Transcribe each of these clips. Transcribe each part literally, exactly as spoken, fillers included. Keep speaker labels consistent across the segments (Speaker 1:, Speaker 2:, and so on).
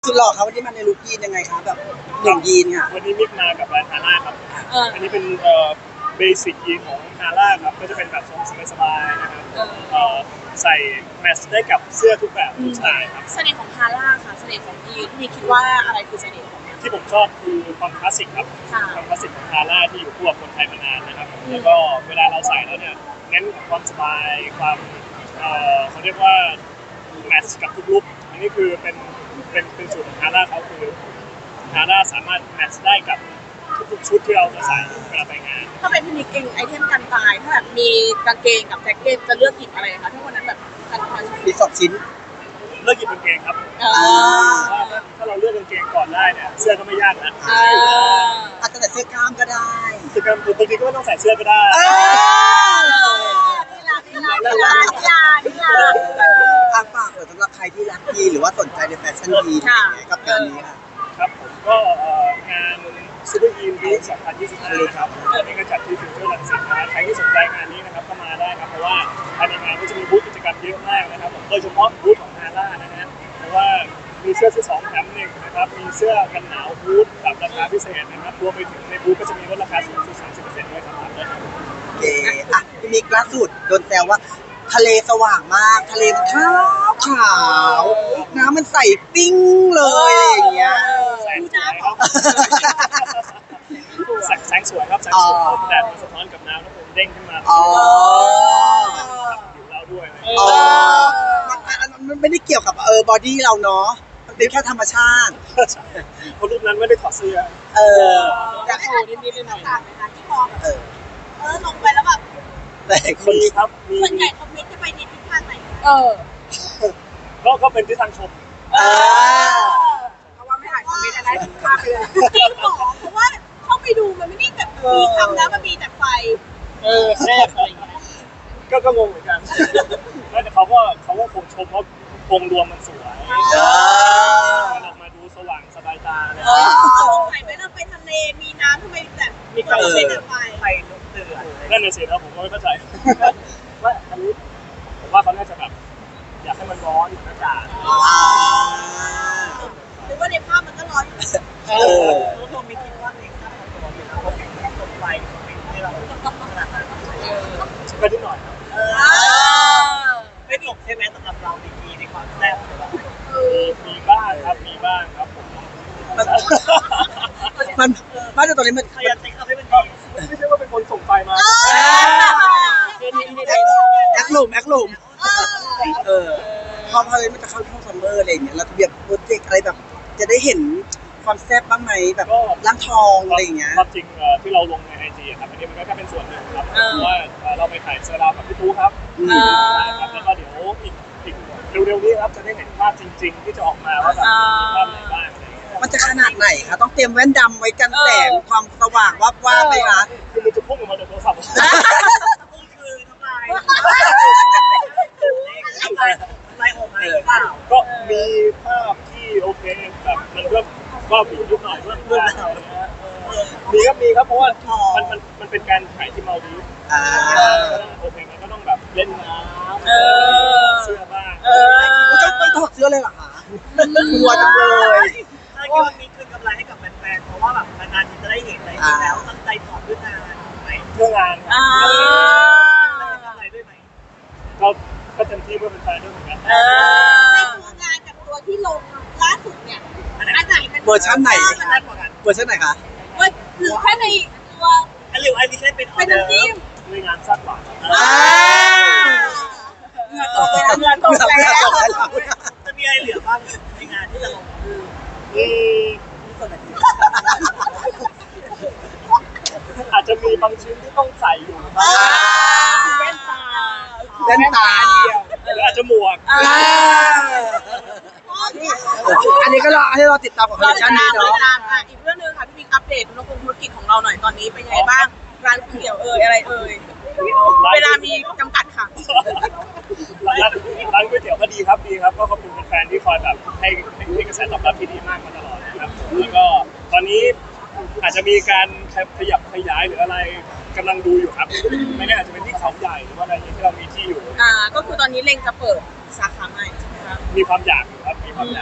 Speaker 1: สุดหล่อครับวันนี้มาในลุคยีนยังไงครับแบบหนึ่งยีนค่ะ
Speaker 2: วันนี้มิกมากับแบรนด์ฮาร่าครับอันนี้เป็นเอ่อเบสิกยีนของฮาร่าครับก็จะเป็นแบบทรงสบายๆนะครับเอ่อใส่แมทช์ได้กับเสื้อทุกแบบทุกสไตล์ครับ
Speaker 3: เสน่ห์ของฮาร่าค่ะเสน่ห์ของยีนพี่คิดว่าอะไรคือเสน่ห์ของมัน
Speaker 2: ที่ผมชอบคือความคลาสสิกครับความคลาสสิกของฮาร่าที่อยู่คู่กับคนไทยมานานนะครับแล้วก็เวลาเราใส่แล้วเนี่ยเน้นความสบายความเอ่อเขาเรียกว่าแมทช์กับทุกลุคอันนี้คือเป็นเป็นเป็นสูตรของฮาร่าเขาคือฮาร่าสามารถแมทช์ได้กับทุกชุดที่เราจะใส่เวลาไปงาน
Speaker 3: ถ้าเป็นพี่นิกเองไอเทมกันตายถ้าแบบมีกางเกงกับแจ็คเก็ตจะเลือกหยิบอะไรคะถ้าวันนั้นแบบกันตาย
Speaker 1: มีสองชิ้น
Speaker 2: เลือกหยิบกางเกงครับถ้าเราเลือกกางเกงก่อนได้เนี่ยเสื้อก็ไม่ยากนะ
Speaker 1: อาจจะใส่เสื้อกล้ามก็ได้
Speaker 2: คือกางเกงบางทีก็ไม่ต้องใส่เสื้อก็ได้
Speaker 3: นี่ลานี่ลานี่ลานี่ลานี่ลา
Speaker 1: ทางฝากสำหรับใครที่รักยีนหรือว่าสนใจในแฟชั่นยีนกับงานนี้ค่ะ
Speaker 2: ครับผมก็งานซูเปอร์ยีนวีคสองพันยี่สิบห้าครับอันนี้ก็จัดที่ฟิวเจอร์รังสิตนะใครที่สนใจงานนี้นะครับก็มาได้ครับเพราะว่าภายในงานก็จะมีบูธกิจกรรมเยอะมากนะครับโดยเฉพาะบูธของฮาร่านะฮะเพราะว่ามีเสื้อซื้อสองแถมหนึ่งนะครับมีเสื้อกันหนาวบูธแบบราคาพิเศษนะครับรวมไปถึงในบูธก็จะมีลดราคาสูงสุด สามสิบเปอร์เซ็นต์ ด้วยครับ
Speaker 1: โอเคอ่ะพี่มิกล่าสุดโดนแซวว่าทะเลสว่างมากทะเลมันขาวขาวน้ำมันใสปิ้งเลยอย่างเงี้ย
Speaker 2: แสงสวยครับแสงสวยครับแสงสวยแดดมันสะท้อนกับน้ำแล้วผมเด้งขึ้นมา
Speaker 1: อ๋อ
Speaker 2: อยู่เราด้วย
Speaker 1: อ๋อมันไม่ได้เกี่ยวกับเออบอดี้เราเนาะมันเป็นแค่ธรรมชาติ
Speaker 2: เพราะรูปนั้นไม่ได้ถอดเสื้อ
Speaker 1: เออ
Speaker 3: อยากโชว์นิดๆหน่อยๆนะคะที่มองเออเออลงไปแล้วแบบ
Speaker 1: แต่คน
Speaker 2: ครับ
Speaker 3: ส่วนใหญ่คอมเมนต์จะไปในทิศทางไหนเออ
Speaker 2: ก็ก็เป็นทิศทางชม
Speaker 3: เออเพราะว่าไม่อ่านคอมเมนต์อะไรข้ามไปเลยจริงหรอเพราะว่าเข้าไปดูมันไม่ได้แบบมีคำแล้วมันมีแต่ไฟ
Speaker 2: เออแรกอะไรอย่างเงี้ยก็ก็งงเหมือนกันแต่เขาก็เขาก็คงชมว่าวงรวมมันสวยมันออกมาดูสว่างสบายตาเลย
Speaker 3: สงสัยไหมเราไปทะเลมีน้ำทำไมแบบ
Speaker 2: มี
Speaker 3: การ
Speaker 2: เล่
Speaker 3: นไฟ
Speaker 2: ไฟลุกเดือดนั่นเลยสินะผมก็ไม่เข้าใจว่าอันนี้ผมว่าเขาน่าจะแบบอยากให้มันร้อนเหมือนอากาศ
Speaker 3: หรือว่าในภาพมันก็ร้อน
Speaker 2: เออรู้ตัวไม่คิดว่าเองถ้าทำตัวเป็นเขาเห็นตรงไฟให้เราขนาดนั้นก็นิดหน่อยครับไม่ตกใช่ไหมสำหรับเราดีกีในความแซ่บมีบ้างครับมีบ้างครับผม
Speaker 1: มันบ้านตอนนี้มัน
Speaker 2: ขยันติดเอาให้มันดีไม่ใช่ว่าเป็นคนส่งไฟมา
Speaker 1: แอคหลุมแอคหลุมเออพอพอเลยมันจะเข้าช่วงซัมเมอร์อะไรอย่างเงี้ยเราจะแบบโปรเจกต์อะไรแบบจะได้เห็นความแซ่บบ้างไหมแบบร่างทองอะไรอย่างเงี้ย
Speaker 2: ความจริงที่เราลงในไอจีครับอันนี้มันก็แค่เป็นส่วนหนึ่งครับเพราะว่าเราไปถ่ายเซอร์รากับพี่ตู้ครับแล้วก็เดี๋ยวอีกอีกเร็วๆนี้ครับจะได้เห็นภาพจริงๆที่จะออกมาว่าแบบมีภาพไหนบ้าง
Speaker 1: มันจะขนาดไหนคะต้องเตรียมแว่นดำไว้กันแสงความสว่างวับว่าไหมคะ
Speaker 2: คือมันจะพุ่งออกมาจากโทรศัพท์คือทำลายทำลายทำลายออกมาก็มีภาพที่โอเคแบบมันก็ก็มียุคหน่อยเพื่อนเพื่อนมีครับมีครับเพราะว่ามันมันมันเป็นการถ่ายที่มาดีโอเคมันก็ต้องแบบเล่นน้ำเสื้อบ้าง
Speaker 1: มันจะต้องถอดเสื้อเลยเหรอคะกลัวจังเลย
Speaker 2: ถ้าคิดว่ามีคืนกำไรให้กับแฟนๆเพราะว่าแบบนานๆทีจะได้เห็นอะไรอย่างนี้แล้วตั้งใจถอดด้วยงานไหมเพื่องานกำไรด้วยไหมก็ก็เต็มที่เพื่อเป็นแฟนด้วยเหมือนกัน
Speaker 3: ในตัวงานกับตัวที่ลงล่าสุดเนี่ยอันไหนเป็น
Speaker 1: เวอร์ชันไหนเวอร์ชันไหนคะ
Speaker 3: ว่าหรือแค่ในตัว
Speaker 2: อันหรืออันนี้แค่เป็น
Speaker 3: เป็นน้ำจิ้ม
Speaker 2: ในงานสั้นกว่า
Speaker 3: เงินตกแล้วเงินตกแล้ว
Speaker 2: จะมีอะไรเหลือบ้างในงานที่จะลงอาจจะมีบางชิ้นที่ต้องใส่อยู่
Speaker 3: แว่นตา
Speaker 1: แว่นตา
Speaker 2: หรืออาจจะหมวก
Speaker 1: อันนี้ก็รอให้เราติดตามของคอลเลคชันนี้เนาะ
Speaker 3: อีกเรื่องนึงค่ะพี่บิ๊กอัปเดตธุรกิจของเราหน่อยตอนนี้เป็นยังไงบ้างร้านก๋วยเตี๋ยวเอ่ยอะไรเอ่ยเวลามีจำกัดค่ะ
Speaker 2: ร้านร้านก๋วยเตี๋ยวก็ดีครับดีครับก็ขอบคุณแฟนๆที่คอยแบบให้ให้กระแสตอบรับที่ดีมากมาตลอดนะครับแล้วก็ตอนนี้อาจจะมีการขยับขยายหรืออะไรกำลังดูอยู่ครับไม่แน่อาจจะเป็นที่เขาใหญ่หรือว่าอะไรที่เรามีที่อยู่
Speaker 3: อ่าก็คือตอนนี้เล็งจะเปิดสาขาใหม่ใช่ไหมคะ
Speaker 2: มีความอยากอยู่ครับมีความอยาก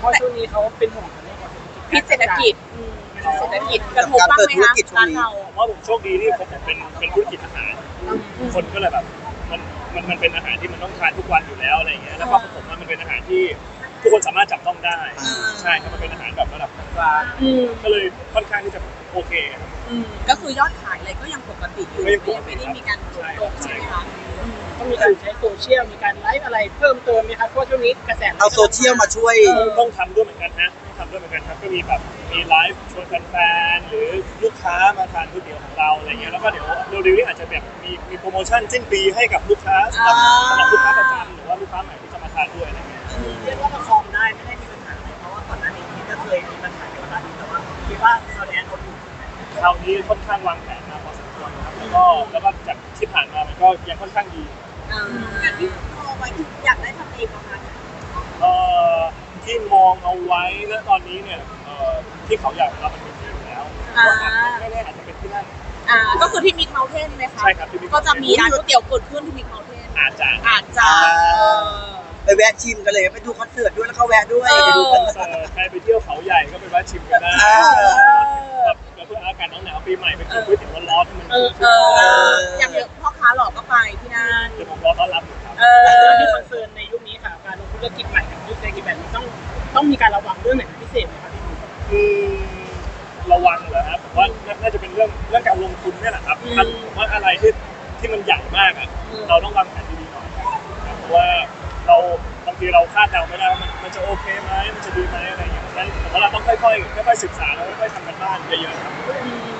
Speaker 4: เพราะช่วงนี้เขาเป็นห่วงในเรื่องของ
Speaker 3: พิษเศรษฐกิจอืมเศรษฐกิจกระทบบ้างไหมคะร้านเรา
Speaker 2: ผมว่าผมโชคดีที่ผมเป็นเป็นธุรกิจอาหารคนก็เลยแบบมันมันมันเป็นอาหารที่มันต้องทานทุกวันอยู่แล้วอะไรอย่างเงี้ยแล้วก็ผมว่ามันเป็นอาหารที่ทุกคนสามารถจับต้องได้ใช่ครับมันเป็นอาหารแบบระดับกลาง
Speaker 3: อืม
Speaker 2: ก็เลยค่อนข้างที่จะโอเคครับ
Speaker 3: อืมก็คือยอดขายอะไรก็ยังปกติอยู่
Speaker 2: ก็ยังปกติ
Speaker 3: ไม่ได้มีการลดลงใช่ไหมคะ
Speaker 4: ต้องมีการใช้โซเชียลมีการไลฟ์อะไรเพิ่มเติมไหมครับเพราะช่วงนี้กระแส
Speaker 1: เอาโซเชียลมาช่วย
Speaker 2: ต้องทำด้วยเหมือนกันฮะต้องทำด้วยเหมือนกันครับก็มีแบบมีไลฟ์ชวนแฟนๆหรือลูกค้ามาทานก๋วยเตี๋ยวของเราอะไรเงี้ยแล้วก็เดี๋ยวเร็วๆนี้อาจจะแบบมีมีโปรโมชั่นสิ้นปีให้กับลูกค้าสำหรับสำหรับลูกค้าประจำหรือว่าลูกค้าใหม่ที่จะมาทานด้วยอะไรเงี้ย
Speaker 4: เรียกว่าประคองได้ไม่ได้มีปัญหาเลยเพราะว่าก่อนหน้านี้พี่ก็เคยมีปัญหาเกี่ยวกับร้านนี้แต่ว่าคิดว่าเราแอนเขาอยู่
Speaker 2: คราวนี้ค่อนข้างวางแผนมาพอสมควรนะครับแล้วก็แล้วก็จากที่ผ่านมามันก็ยังค่อนข้างดี
Speaker 3: อ่าอย่างที่มองไว้คืออยากได้ทำเองประมาณนั้น
Speaker 2: เอ่อที่มองเอาไว้ณตอนนี้เนี่ยเอ่อที่เขาอยากเรามันเป็นที่อยู่แล้วไม่แน่อาจจะเป็นที่นั่น
Speaker 3: อ่าก็คือที่มิกเมลเทนไหมคะ
Speaker 2: ใช่ครับที่ Big
Speaker 3: ก็จะมีร้านก๋วยเตี๋ยวเกิดขึ้นที่มิกเมลเทน
Speaker 2: อาจจะ
Speaker 3: อาจจะ
Speaker 1: อ่า
Speaker 3: เออ
Speaker 1: ไปแวะชิมกันเลยไปดูคอนเสิร์ตด้วยแล้วก็แวะด้วย
Speaker 3: เออ
Speaker 1: ไปดูคอนเสิ
Speaker 2: เอ่
Speaker 1: ร์ต
Speaker 2: อใครไปเที่ยวเขาใหญ่ก็ไปแวะชิมกันได้
Speaker 1: อ่า
Speaker 2: แบบเพื่ออากาศหนาวๆปีใหม่ไปกินก๋วยเตี๋ยวร้อนๆให้มัน
Speaker 3: เออเอออย่างเดียวพ่อค้าหลอกก็ไปที่นั่น
Speaker 2: เดี๋ยวผมรอต้อนรับอยู่ครับ
Speaker 3: เอ
Speaker 4: เรื่อง
Speaker 3: อ
Speaker 4: ที่คอนเซิร์นในยุคนี้ค่ะการลงธุรกิจใหม่กับยุคเศรษฐกิจแบบนี้ต้องต้องมีการระวังเรื่องไหนเป็นพิเศษไหมครับพี่หนุ่ม
Speaker 2: อืมระวังเหรอครับผมว่าน่าจะเป็นเรื่องเรื่องการลงทุนเนี่ยแหละครับถ้าผมว่าอะไรที่ที่มันใหญ่มากอ่ะเราต้องวางแผนดีๆหน่อยครับเพราะว่าเราบางทีเราคาดเดาไม่ได้ว่ามันมันจะโอเคไหมมันจะดีไหมอะไรอย่างเงี้ยฉะนั้นผมว่าเราต้องค่อยๆค่อยๆศึกษาแล้วค่อยๆทำกันบ้านเยอะๆครับ
Speaker 3: อืม